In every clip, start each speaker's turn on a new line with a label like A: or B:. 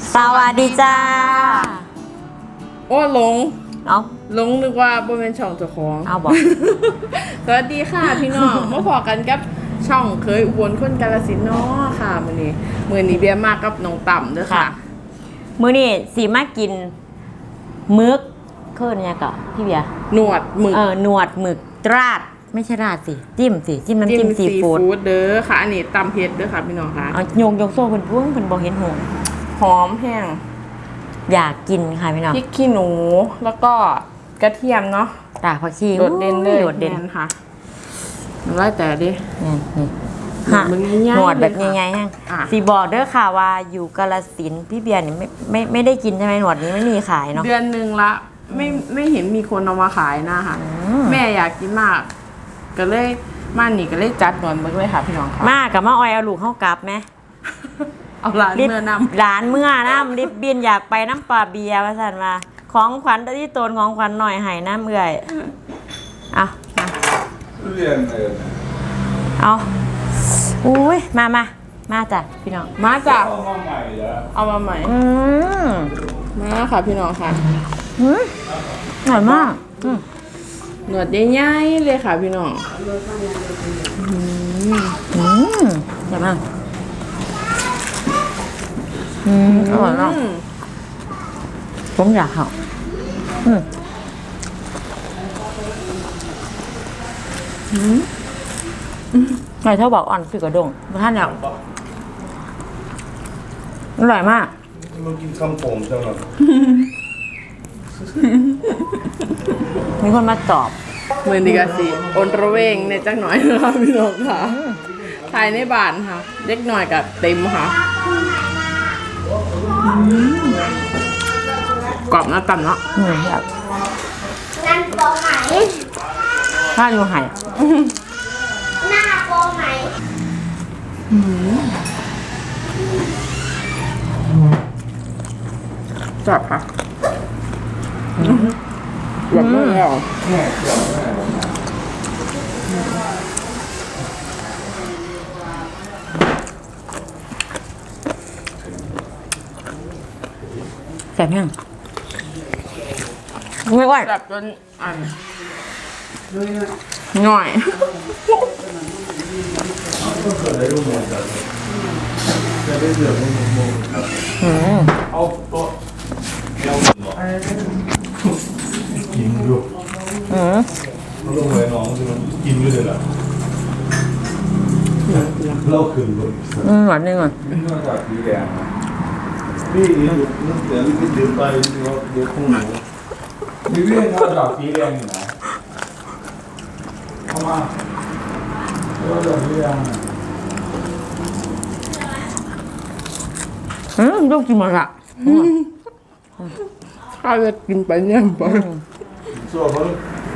A: สวัสดีจ้า
B: โอ้หลง
A: เอา
B: หลงนึกว่าบ่เป็นช่องเจ้าของ
A: เอาบอก
B: สวัสดีค่ะพี่น้องมาพอกันกับช่องเคยอุบลคนกาฬสินธุ์เนาะค่ะมื้อนี้เบียร์มากกับน้องต่ำเด้อค่ะ
A: มื้อนี้สีมากินมึกเคิ่นเนี่ยก็พี่เบียร์
B: หนวดหมึก
A: หนวดหมึกราดไม่ใช่ราดสิจิ้มน้ำจิ้มซีฟู้ด
B: เด้อค่ะอันนี้ตำเผ็ดเด้อค่ะพี่น้องค่ะ
A: เอายกโซ่เพิ่นพุ่งเพิ่นบ่เห็นหง
B: หอมแห้ง
A: อยากกินค่ะพี่น้อง
B: พริกขี้หนูแล้วก็กระเทียมเนาะ
A: ตากผักชี
B: โดดเด่นเลย
A: โดดเด่น
B: แม่ค่ะน้ำลายแต่ดิ
A: นี่
B: หนวดมันง่ายๆ
A: หนวดแบบ
B: เลยค่ะ
A: ง่ายๆฮะ
B: อ่ะ
A: สีบอกเด้อค่ะว่าอยู่กาฬสินธุ์พี่เบียร์นี่ไม่ได้กินใช่ไหมหนวดนี้ไม่มีขายเนาะ
B: เดือนหนึ่งละไม่เห็นมีคนเอามาขายนะคะแม่อยากกินมาก ก็เลยมานี่ก็เลยจัดหนวดมึกเลยค่ะพี่น้องค่ะ
A: มากับมาออยเอาลูกเข้ากลับไหม
B: เอาร้านเมื่อนำ
A: ร้านเมื่อน้ำริบบินอยากไปน้ำปลาเบียร์ว่าสันมาของขวัญที่ตนของขวัญหน่อยให้น้ำเอื่อยเอา
C: เรียน
A: เอาอุ้ยมาจ้ะพี่น้อง
B: มาจ้ะ
C: เอามาใหม่แล้ว
B: เอามาใหม่
A: ม
B: มาค่ะพี่น้องค่ะ
A: อร่อยมาก
B: หนวดใหญ่ๆเลยค่ะพี่น้อง
A: อร่อยมากอร่อยมากผมอยากเหาไก่เท่าบอกอ่อนคือกระดงท่านอยากอร่อยมาก
C: มันกินคำผมจังหรอ
A: มีคนมาตอบ
B: มือนี้ก็สิอนระเวงในจักหน่อยนะคะพี่น้องค่ะภายในบ้านค่ะเล็กหน่อยกับเต็มค่ะกรอบนะต่ำเนาะ
A: อยากถ้าอยู่หาย
D: หน้าโปไหม
B: จับค่ะแบบไม่แล้ว
A: แซ่บยังไม่ไหว
B: จับจนหน่อย
C: เกิดอะไรรู้ไหมจ๊ะจะได้เสือกมึงเอาโต๊ะเลี้ยวหนึ่งหรอกินอยู่เขาลงไปน้องจะกินอยู่เลยล่ะเล่าคืนเลย
A: หวานนึงอ่ะ
C: นอกจากสีแดงพี่นึกเดี๋ยวพี่ดื่มไปเดี๋ยวคงหนูนี่เรื่องนอกจากสีแดงอยู่ไหนเข้ามาแล้วเดี๋ยวสีแดง
A: ลูกกินหมดละ
B: ข้าวจะกินไปเนี่ยไป
C: ส่วนเขา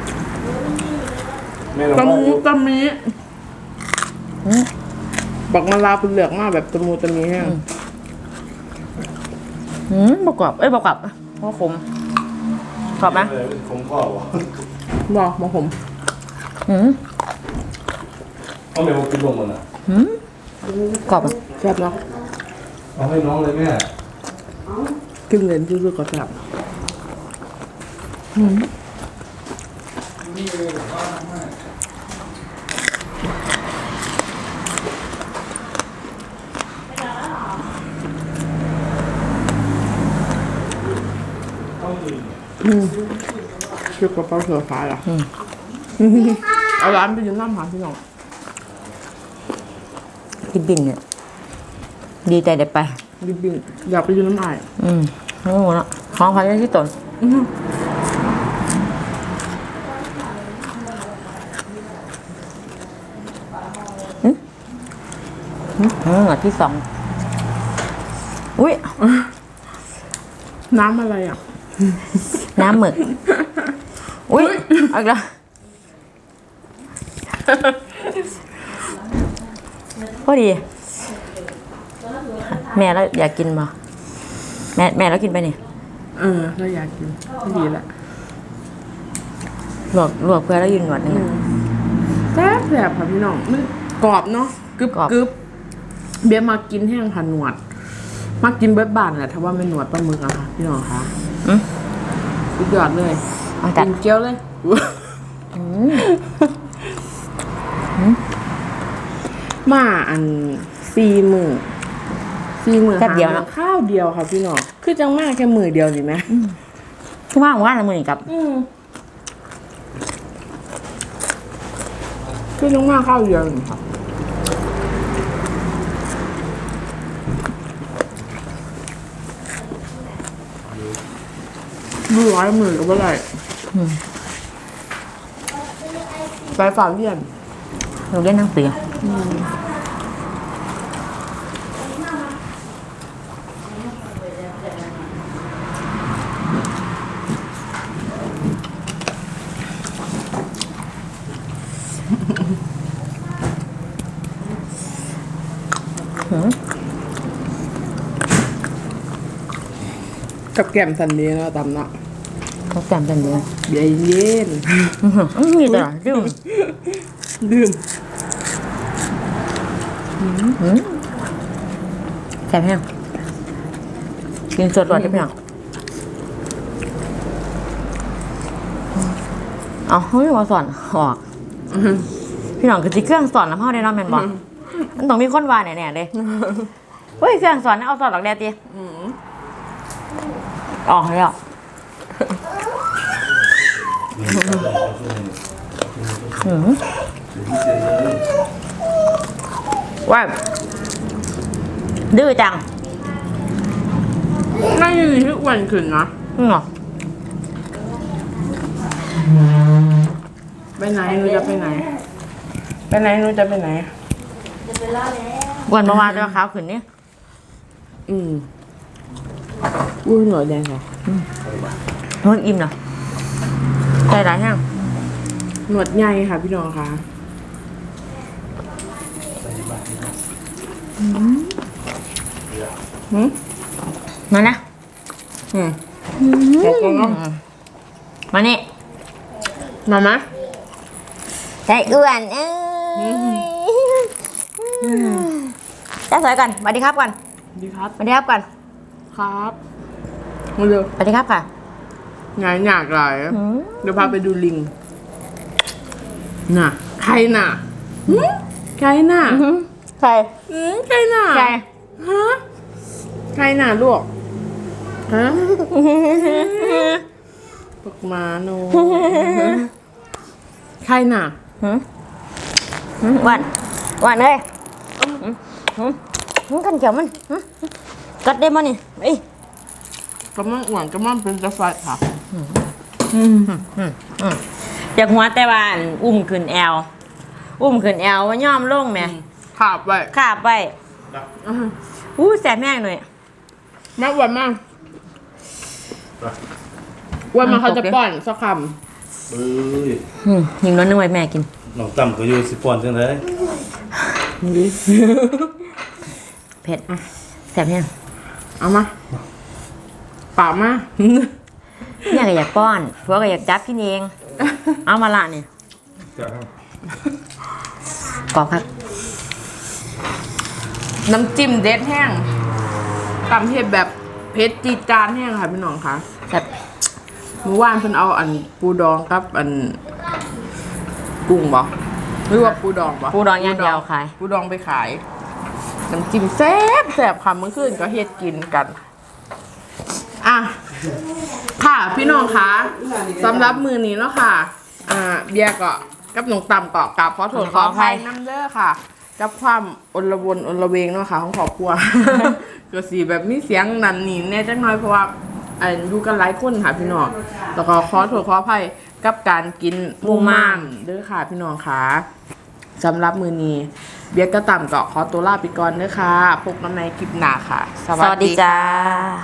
C: แม่เรา
B: ตะมูตะมีบักมะลาเป็นเหลือกมากแบบตะมูตะมีแห้ง
A: ประกอบประกอบเพราะขมกรอบไหม
C: คงข้อวะ
B: บอกมาผม
C: เอาแม่มากินลงมันอ่ะ
A: กรอบ
B: แซ่บเนาะ
C: เอาให้น้องเลยแม่
B: กินเลนซื่อๆก็แซ่บชื่อกระเป๋าเสือฟ้าล่ะเอาร้านไปยืนน้ำหาพี่น้อง
A: กินบิ่นเนี่ยดีใจเด็ดไป
B: บินอยากไปยืนน้ำอาย
A: โอ้โหเนาะของขวัญที่ตนที่สองอุ้ย
B: น้ำอะไรอ่ะ
A: น้ำหมึกอุ้ยเอาอีกแล้วพอดีแม่แล้วอยากกินมาแม่แล้วกินไปนี่
B: เราอยากกินไม่ดีละ
A: ลวกเพื่อแล้วยืนหนวดนึง
B: แซ่บค่ะพี่น้องมันกรอบเนาะกรึบ
A: กรอบ
B: กรึบเบียร์มากินแห้งผ่านหนวดมากินเบิร์ดบานแหละถ้าว่าไม่หนวดปลาหมึกอะค่ะพี่น้องคะสุดยอดเลยกินเกี๊ยวเลยมาอัน4 มื้อ
A: แค่เดียวนะ
B: ข้าวเดียวค่ะพี่น้องคือจังมากแค่มื้อเดียวสิไหม
A: ทุกว่าว่าละมือนี่กับ
B: คือจังมากข้าวเดียวนี่ค่ะดูร้อยมือกับอะไรไปฝากเรียน
A: เราเล่นทั้งเสือ
B: กับแก้มสันดีเนาะตำเนาะ
A: เขาแกมเป็นเนื้อ
B: เบียร์เย็น
A: มีตลอดดื่ม
B: ดื่ม
A: แซ่บแห้งกินสดก่อนได้ไหมอ่ะเอาเฮ้ยมาสอนออกพี่น้องคือที่เครื่องสอนน้ำพ่อได้เนาะแมนบอกมันต้องมีคนวาแน่ๆเลยเฮ้ยเครื่องสอนเอาสอนหลักแดดตีออกแล้วว่าดื้อจัง
B: น่าจะมีที่อ้วนขึ้นนะ
A: เหรอ
B: ไปไหนหนูจะไปไหน ไปไหนหนูจะไปไหน
A: วันเมื่อวานตัวขาวขึ้นนี่
B: อุ้ยหน่อยแดงเหรอ
A: นวดอิ่มเหรอใจร้ายแห้ง
B: หนวดใหญ่ค่ะพี่น้องค่ะ
A: มานะ
B: ขอบคุณเนาะ
A: มานี่
B: มาไหม
A: ใจอ้วนเอ้ยจ้าสวยก่อนสวัสดีครับก่อน
B: ดีครับ
A: สวัสดีครับก่อน
B: ครับมาเร็ว
A: สวัสดีครับค่ะ
B: งานหนักหลายเดี๋ยวพาไปดูลิง น่ะ ใครน่ะใครน่ะ
A: ใคร
B: ใครน่ะ
A: ใคร
B: ฮะใครน่ะลูกฮะปกมาโนใครน่ะ
A: หวานหวานเลยกันเขียวมันกัดได้มั้ยนี่ไอ้
B: กำลังอ้วนกำลังเป็นจะไฟค่ะ
A: อยากหัวแต่ว่าอันอุ้มขึ้นแอวว่าย่อมลงแม่
B: ขาบไว้
A: ขาบไปแสบแม่งหน่อย
B: แม่อ้วนมากอ้วนมาเขาจะป้อนสักค
C: เอ้ย
A: ยิงน้อยนึงไว้แม่กิน
C: น้องตั้มก็อยู่สิปอนจังได๋
A: เผ็ดแสบแห้ง
B: ำเอามาปากมา
A: เนี่ยก็อยากป้อนผัวก็อยากจับกินเอง เอามาละเนี่ยกรอบครับ
B: น้ำจิ้มเด็ดแห้งตำเผ็ดแบบเผ็ดจีดจานแห้งค่ะพี่น้องค่ะ
A: แซ่บ
B: เมื่อวานเพิ่นเอาอันปูดองกับอันกุ้งบ่หรือว่าปูดองบ่
A: ปูดองย่างเดียวขาย
B: ปูดองไปขายน้ำจิ้มแซ่บแซ่บค่ะเมื่อคืนก็เฮ็ดกินกันอ่ะค่ะพี่น้องคะสำหรับมือนี้เนาะค่ะเบียร์ก็กับหนองต่ำก็กราบขอโทษขออภัยน้ำเด้อค่ะกับความอลวนอลเวงเนาะค่ะของครอบครัว ก็สีแบบมีเสียงนั่นนี่แน่จังน้อยเพราะว่าอยู่กันหลายคนค่ะพี่น้องแล้วก็ขอโทษขออภัยกับการกินหมูม่ามเด้อค่ะพี่น้องค่ะสำหรับมือนี้เบียร์ก็ต่ำก็ขอตัวลาไปก่อนเด้อค่ะพบกันในคลิปหน้าค่ะ
A: สวัสดีจ้า